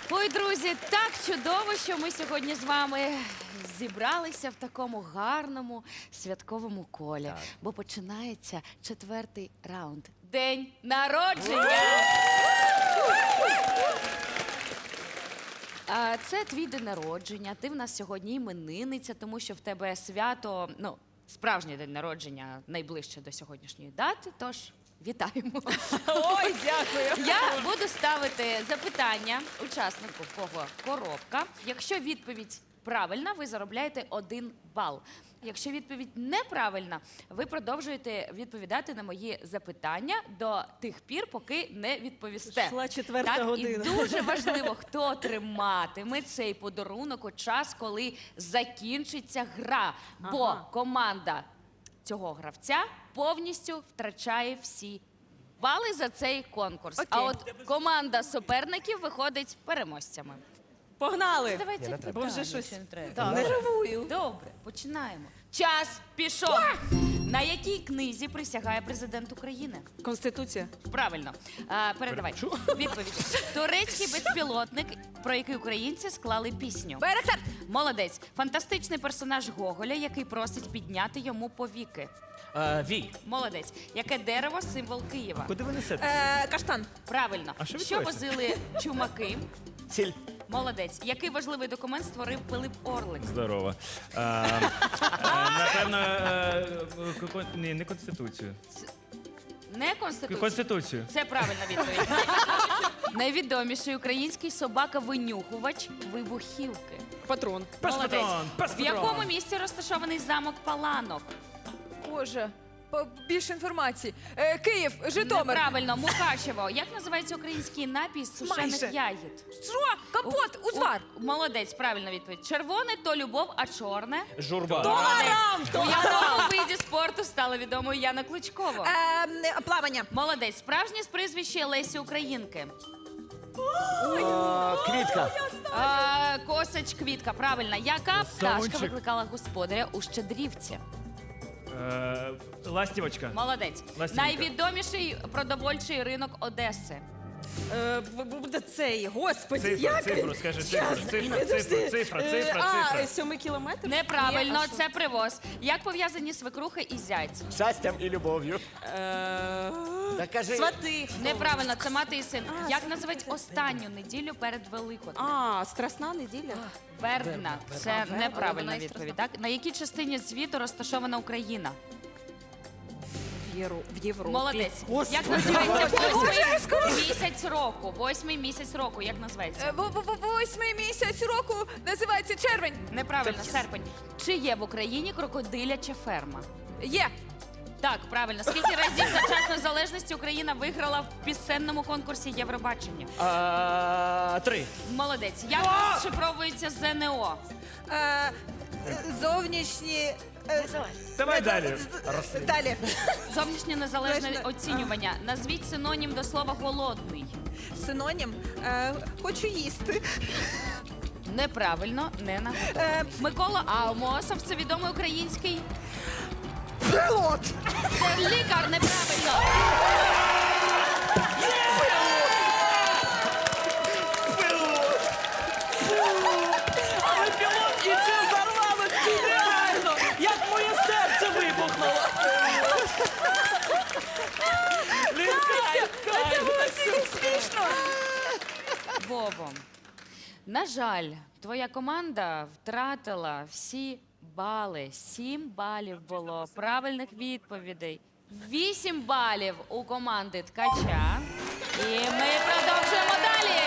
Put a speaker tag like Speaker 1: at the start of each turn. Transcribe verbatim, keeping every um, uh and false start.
Speaker 1: Ой, друзі, так чудово, що ми сьогодні з вами зібралися в такому гарному святковому колі.
Speaker 2: Так.
Speaker 1: Бо починається четвертий раунд. День народження! А, Це твій день народження. Ти в нас сьогодні іменинниця, тому що в тебе свято, ну, справжній день народження найближче до сьогоднішньої дати. Тож вітаємо.
Speaker 3: Ой, дякую.
Speaker 1: Я буду ставити запитання учаснику, в кого коробка. Якщо відповідь правильна, ви заробляєте один бал. Якщо відповідь неправильна, ви продовжуєте відповідати на мої запитання до тих пір, поки не відповісте.
Speaker 3: Йшла четверта
Speaker 1: так,
Speaker 3: година.
Speaker 1: І дуже важливо, хто триматиме цей подарунок у час, коли закінчиться гра. Бо
Speaker 3: Ага.
Speaker 1: команда цього гравця повністю втрачає всі бали за цей конкурс. А
Speaker 3: Окей.
Speaker 1: от команда суперників виходить переможцями.
Speaker 3: Погнали.
Speaker 1: Давайте
Speaker 2: не треба.
Speaker 3: Бо вже щось
Speaker 1: не треба.
Speaker 3: Так. Нервую.
Speaker 1: Добре, починаємо. Час пішов. На якій книзі присягає президент України?
Speaker 3: Конституція.
Speaker 1: Правильно. А, передавай. Відповідь. Турецький безпілотник, про який українці склали пісню.
Speaker 3: Байрактар.
Speaker 1: Молодець. Фантастичний персонаж Гоголя, який просить підняти йому повіки.
Speaker 2: Е, Вій,
Speaker 1: Молодець. Яке дерево символ Києва?
Speaker 2: куди ви несете?
Speaker 3: Е, каштан.
Speaker 1: Правильно.
Speaker 2: А що
Speaker 1: Що
Speaker 2: відбувається?
Speaker 1: возили чумаки?
Speaker 2: Сіль.
Speaker 1: Молодець. Який важливий документ створив Пилип Орлик?
Speaker 4: Здорово. Е, е, Напевно, е, ко- ко- ні, не Конституцію.
Speaker 1: Не Конституція.
Speaker 4: Конституцію.
Speaker 1: Це правильна відповідь. Найвідоміший український собака-винюхувач вибухівки.
Speaker 3: Патрон.
Speaker 1: Молодець.
Speaker 4: патрон, пес
Speaker 1: В якому
Speaker 4: патрон.
Speaker 1: місці розташований замок Паланок?
Speaker 5: Боже, по- більше інформації. Е, Київ, Житомир.
Speaker 1: Неправильно. Мукачево. Як називається український напій з сушених
Speaker 3: Майже.
Speaker 1: ягід?
Speaker 5: Що? Компот, узвар.
Speaker 1: У- Молодець, правильна відповідь. Червоне то любов, а чорне?
Speaker 2: Журба.
Speaker 1: Молодець. У якому виді спорту стала відомою Яна Кличкова?
Speaker 3: Е, плавання.
Speaker 1: Молодець. Справжнє з прізвище Лесі Українки.
Speaker 2: Е, Квітка.
Speaker 1: А, Косач Квітка, правильно. Яка пташка
Speaker 4: Савунчик.
Speaker 1: викликала господаря у Щедрівці?
Speaker 4: Е, Ластівочка.
Speaker 1: Молодець.
Speaker 4: Ластівка.
Speaker 1: Найвідоміший продовольчий ринок Одеси.
Speaker 3: Е, б- буде цей, господи,
Speaker 4: Цифру,
Speaker 3: як?
Speaker 4: цифру, скажи, цифру,
Speaker 3: Щас,
Speaker 4: цифра,
Speaker 3: підожди.
Speaker 4: цифра, цифра,
Speaker 3: Е,
Speaker 4: цифра,
Speaker 3: А,
Speaker 4: цифра.
Speaker 3: сьомий кілометр?
Speaker 1: Неправильно,
Speaker 3: Ні, а що?
Speaker 1: це привоз. Як пов'язані свекруха і зять?
Speaker 2: Щастям і любов'ю.
Speaker 3: Е,
Speaker 2: Та кажи.
Speaker 3: Свати.
Speaker 1: Неправильно, це мати і син. Як називають останню неділю перед Великоднем?
Speaker 3: А, страсна неділя.
Speaker 1: Вербна. Це неправильна відповідь. Так? На якій частині світу розташована Україна?
Speaker 3: В, Євро... в Європі.
Speaker 1: Молодець.
Speaker 3: Господи.
Speaker 1: Як називається восьмий місяць року? Восьмий місяць року, як
Speaker 5: Е,
Speaker 1: називається?
Speaker 5: в- в- в- Восьмий місяць року називається червень.
Speaker 1: Неправильно, серпень. Чи є в Україні крокодиляча ферма?
Speaker 5: Є.
Speaker 1: Так, правильно. Скільки разів за час незалежності Україна виграла в пісенному конкурсі Євробачення?
Speaker 2: Е, Три.
Speaker 1: Молодець. Як розшифровується ЗНО?
Speaker 3: Е, зовнішні... е,
Speaker 4: Давай далі.
Speaker 3: Далі.
Speaker 1: Зовнішнє незалежне
Speaker 3: Точно.
Speaker 1: оцінювання. Назвіть синонім до слова голодний.
Speaker 3: Синонім. Е, хочу їсти.
Speaker 1: Неправильно, не на
Speaker 3: Е,
Speaker 1: Микола Аумосов, це відомий український.
Speaker 3: Пілот.
Speaker 1: Це лікар, неправильно.
Speaker 3: Але пілот і це зарвало реально. Як моє серце вибухнуло.
Speaker 5: Це було стільки смішно.
Speaker 1: Вово. На жаль, твоя команда втратила всі бали. Сім балів було правильних відповідей. Вісім балів у команди Ткача. І ми продовжуємо далі.